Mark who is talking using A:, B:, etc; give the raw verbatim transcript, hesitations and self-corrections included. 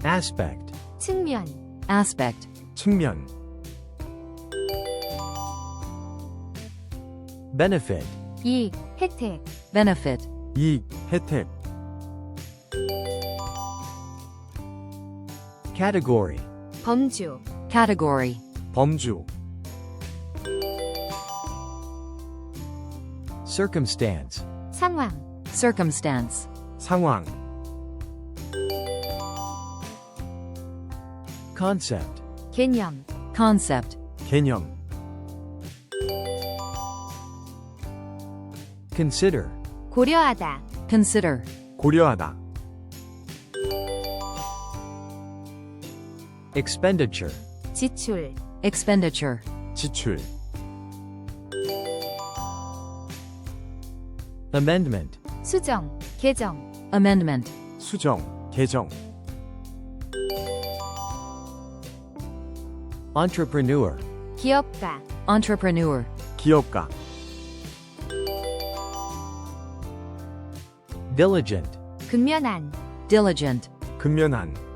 A: aspect,
B: 측면,
C: aspect,
A: 측면. benefit,
B: 이익, 혜택,
C: benefit,
A: 이익, 혜택. category,
B: 범주,
C: category,
A: 범주. circumstance,
B: 상황,
C: circumstance,
A: 상황. concept,
B: 개념,
C: concept,
A: 개념. consider,
B: 고려하다,
C: consider,
A: 고려하다. expenditure,
B: 지출,
C: expenditure,
A: 지출. amendment,
B: 수정, 개정,
C: amendment,
A: 수정, 개정. entrepreneur,
B: 기업가,
C: entrepreneur,
A: 기업가. diligent,
B: 근면한,
C: diligent,
A: 근면한.